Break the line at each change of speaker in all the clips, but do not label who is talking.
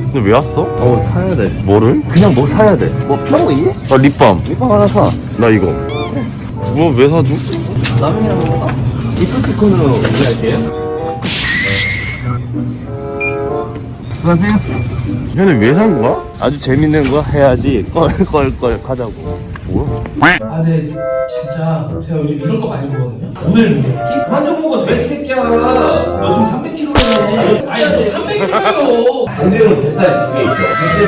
근데 왜 왔어?
사야 돼.
뭐를?
그냥 뭐 사야 돼. 뭐 필요한 거 있니?
립밤.
립밤 하나 사.
나 이거. 뭐 왜 사줘?
라면이랑 먹을까? 이프티콘으로 할게요. 수고하세요.
얘네 왜 산 거야? 아주 재밌는 거 해야지 껄껄껄 하자고. 뭐야?
아, 네, 진짜 제가 요즘 이런 거 많이 보거든요. 오늘 뭐 먹지?
그만 좀 먹어, 돼지 새끼야. 너 지금 300kg네.
아니, 너 300kg요.
반대로 뱃살이 2개 있어.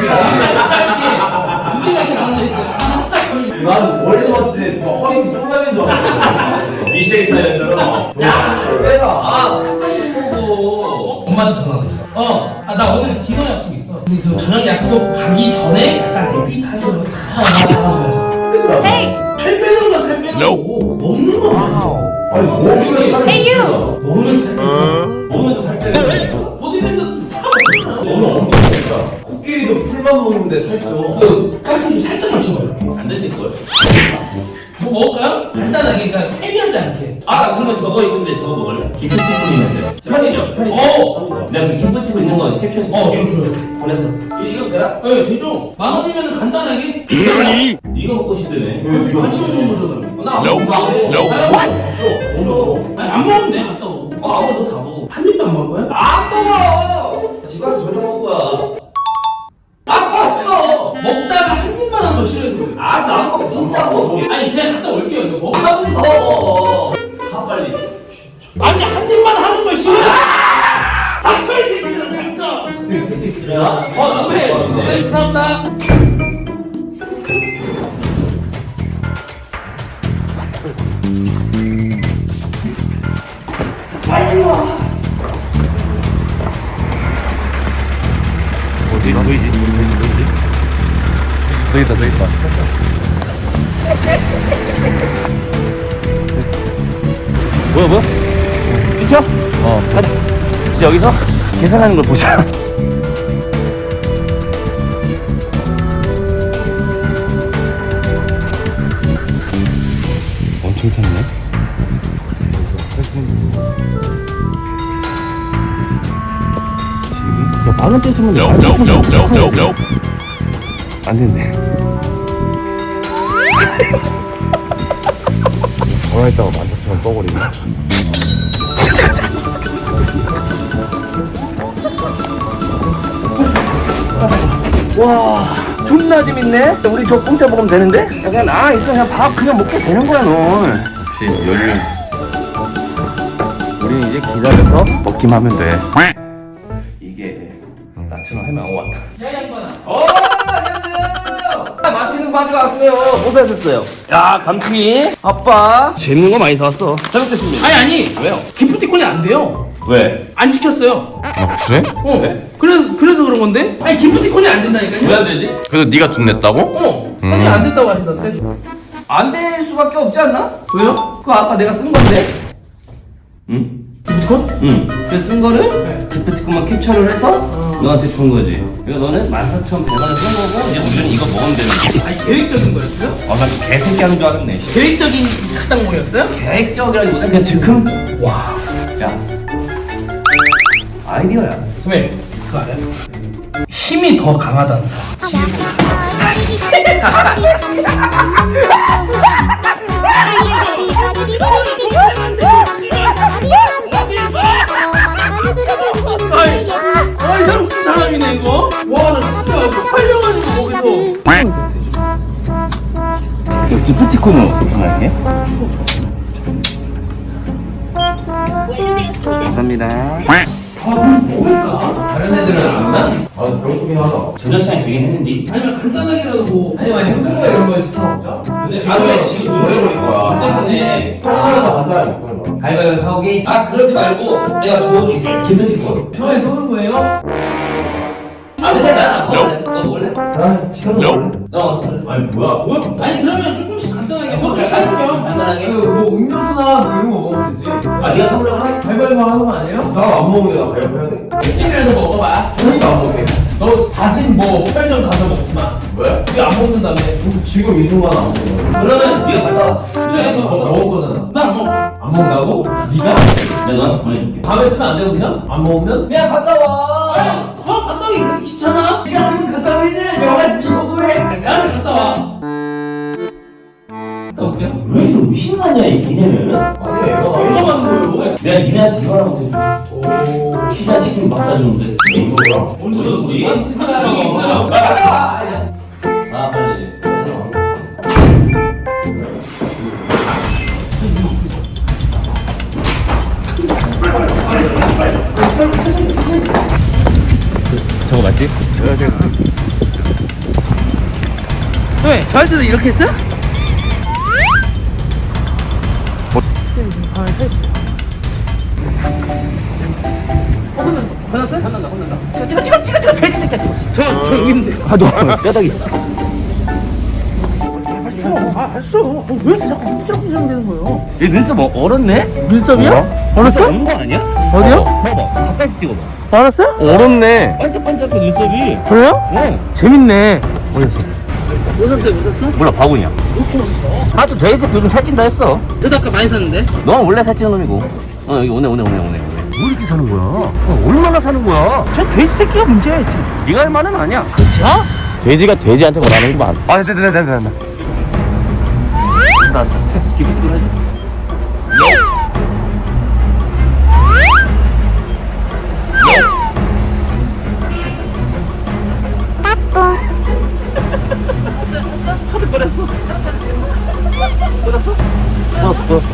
두 개가 이렇게 나눠져 있어요.
난 멀리서 봤을 때 누가 허리 뒤 쫄라낸 줄 알았어.
미쉐리 타이어처럼.
빼라.
엄마한테 전화 왔어. 나 오늘 디너 약속 있어. 근데 그 저녁 약속 가기 전에 약간 에피 타이어로 싹 잡아줘야죠.
뺀다.
살 빼는 거살 빼는 거. 먹는 거 아니야.
아니 먹으면 살이
Hey,
찐다.
먹으면서 살 빼는
먹으면서 살 빼는 거.
보디빌더 다 먹잖아.
너는 엄청 먹자. 코끼리도 풀만 먹는데 살쪄.
그 깔끔히 살짝만 쳐봐 이렇게.
안 되실걸?
뭐 먹을까요? 간단하게 그러니까 헤비하지 않게.
아, 그러면 저거 있는데 저거 먹을래? 기프티콘 있는데. 편의점, 편의점. 내가 그 기프티콘 있는 거 캡처해서.
좋아요.
보냈어. 이거 되나?
네, 되죠. 10,000원이면 간단하게.
이거 먹고 싶다네.
같이 먹는 거잖아요.
나안 먹어.
아니, 안 먹으면 돼, 갔다 오고.
아무도 다 먹어.
한 입도 안 먹어요?
안 먹어! 집 가서 저녁 먹을 거야. 아까웠어!
먹다가 한 입만 하면 더 싫어해서 그래.
알았어, 안 먹어. 진짜 먹을게.
아니, 제가 갔다 올게요, 이거 먹어.
안 먹어. 가, 빨리.
아니, 한 입만 하는 걸 싫어해. 닥쳐, 이 새끼들은 닥쳐.
나도 해.
네, 감사합니다.
어디? 보이지? 저기 있다, 저기 있다. 뭐야? 비켜? 가자. 이제 여기서 계산하는 걸 보자. 엄청 샀네. 야, 10,000원대 주면 안 된대. 전화 했다가 14,000원 써버리네. 와, 존나 재밌네? 우리 저 공짜 먹으면 되는데? 그냥 있어. 그냥 밥 그냥 먹게 되는 거야, 너. 역시 연륜. 우린 이제 기다려서 먹기만 하면 돼. 이게 나처럼 하면 왔다. 안녕하세요. 맛있는 거 가져왔어요. 뭐 사셨어요? 야, 감튀. 아빠 재밌는 거 많이 사왔어. 잘 먹겠습니다.
아니.
왜요?
기프티콘이 안 돼요.
왜?
안 찍혔어요.
아, 그래?
그래서 그런 건데? 아니, 기프티콘이 안 된다니까요.
왜 안 되지?
그래서 네가 돈 냈다고?
형이 안 된다고 하시던데.
안 될 수밖에 없지 않나?
왜요?
그거 아까 내가 쓴 건데. 응?
기프티콘?
응. 그래서 쓴 거를
네.
기프티콘만 캡처를 해서 너한테 준 거지. 그러니까 너는 14,100원을 쓴 거고 이제 우리는 이거 먹으면 되는 거지.
아니, 계획적인 거였어요?
난 개새끼 하는 줄 알았네.
계획적인 착당모였어요?
계획적이라기보다 그냥 즉흥. 와. 야. 아이디어야.
선생님, 그거 알아요? 힘이 더 강하다는 거. 아이, 사람 웃긴 사람이네, 이거. 와, 나 진짜 팔려가지고 거기서.
기프티콘으로 전화할게. 감사합니다.
다른 애들은 안 나?
배고프긴 하다.
저녁 시간이 되긴 했는데.
아니면 간단하게라도 뭐. 아니면 햄버거 이런 거 시켜 먹자.
근데 지금
오래 걸릴 거야.
때문에
편하면서 간단하게 먹는 거야.
가위바위보 사오기? 그러지 말고 내가 줘줄게. 기프티콘.
편하게 쏘는 거예요?
근데 난안 먹을래. 너 먹을래?
난 시켜서 먹을래?
너 아니 뭐야?
아니, 그러면 조금씩 간단하게. 그것도 사줄게요.
간단하게.
뭐 음료수나 뭐 이런 거 먹으면 되지.
네가 사오려고 하지?
가위바위보 하는 거 아니에요?
나 안 먹는데 나 배고파 해야 돼.
조금이라도 먹어봐.
저희가 안 먹게.
너 다신 뭐 편의점 가서 먹지 마.
왜?
왜 안 먹는다며?
지금 이 순간 안 먹는 거야.
그러면 네가 갔다 와.
그래, 너 먹을 거잖아. 나 안 먹어. 안 먹는다고? 네가?
내가 너한테 보내줄게.
밤에 쓰면 안 되고 그냥? 안 먹으면?
그냥 갔다 와.
아니, 갔다 오기 그렇게 귀찮아?
실화냐 이 니네는?
아니 얘가
얼마 만든 거예요?
내가 니네한테 이거라고 피자 치킨 밥 사주는데 이거야?
언제 줬어? 사람이 있어요.
아 빨리 저거 맞지?
왜? 저 할 때도 이렇게 했어요? 혼난다. 돼지 새끼야. 저 여기 있는데. 너 뼈다귀. 알았어. 왜 자꾸 삐뚤어지게 되는 거예요?
얘 눈썹 얼었네?
눈썹이야? 얼었어?
온거 아니야?
어디요?
봐봐 가까이서 찍어봐
알았어요?
얼었네.
반짝반짝해 눈썹이
그래요?
어
재밌네.
어렸어
뭐 샀어요? 뭐 샀어?
몰라 바구니야 하도 돼지색 요즘 살찐다 했어
저도 아까 많이 샀는데.
넌 원래 살찌는 놈이고 여기 오네 왜 이렇게 사는 거야? 얼마나 사는 거야?
저 돼지 새끼가 문제야, 지금.
네가 할 말은 아니야
그쵸?
돼지가 돼지한테 뭐라는구만.
아 됐다 기프티콘 하지
끊었어.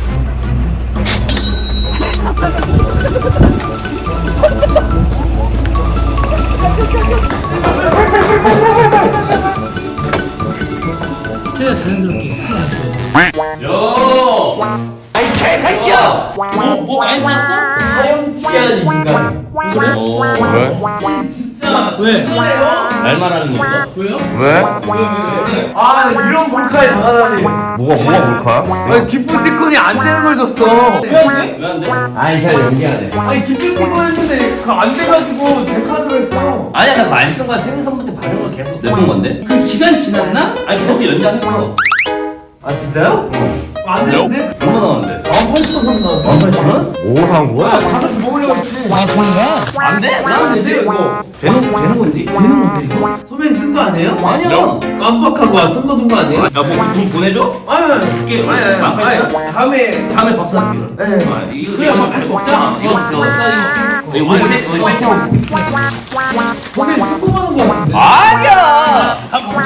제가 자연스럽게
아이 개새끼야
뭐 많이 봤어? 화염치한 인간. 그래?
왜?
진짜 왜?
날 말하는 건가?
왜요?
왜?
왜?
아, 이런 몰카에 당하다니.
뭐가 몰카야?
아니, 기프티콘이 안 되는 걸 줬어.
왜 안 돼?
왜 안 돼?
아니, 잘 연기하네. 아니, 기프티콘 했는데 그거 안 돼가지고 제 카드로 했어.
아니야 나 그거 안 쓴 거야 생일 선물 때 받은 걸 계속 내본 건데
그 기간 지났나?
아니 계속 연장했어
아, 진짜요? 안 되는데?
얼마 나왔는데?
18,000원 나왔어.
18,000원?
뭐 산 거야?
다 같이 먹으려고 했지.
아 그런가?
안 돼?
안 되지, 이거.
되는 건지?
되는 건데, 이거. 선배님 쓴 거 아니에요?
아니야
깜빡하고 안 쓴 거 준 거 아니에요?
야뭐돈 보내줘?
다음에 밥 사줄게. 네.
이거
그래 한번 같이 먹자.
이거 이거 우리 셋이
선배님 궁금한 거 같은데?
아니야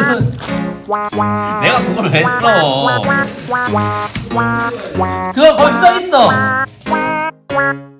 내가 그거를 했어
그거 거기 써 있어.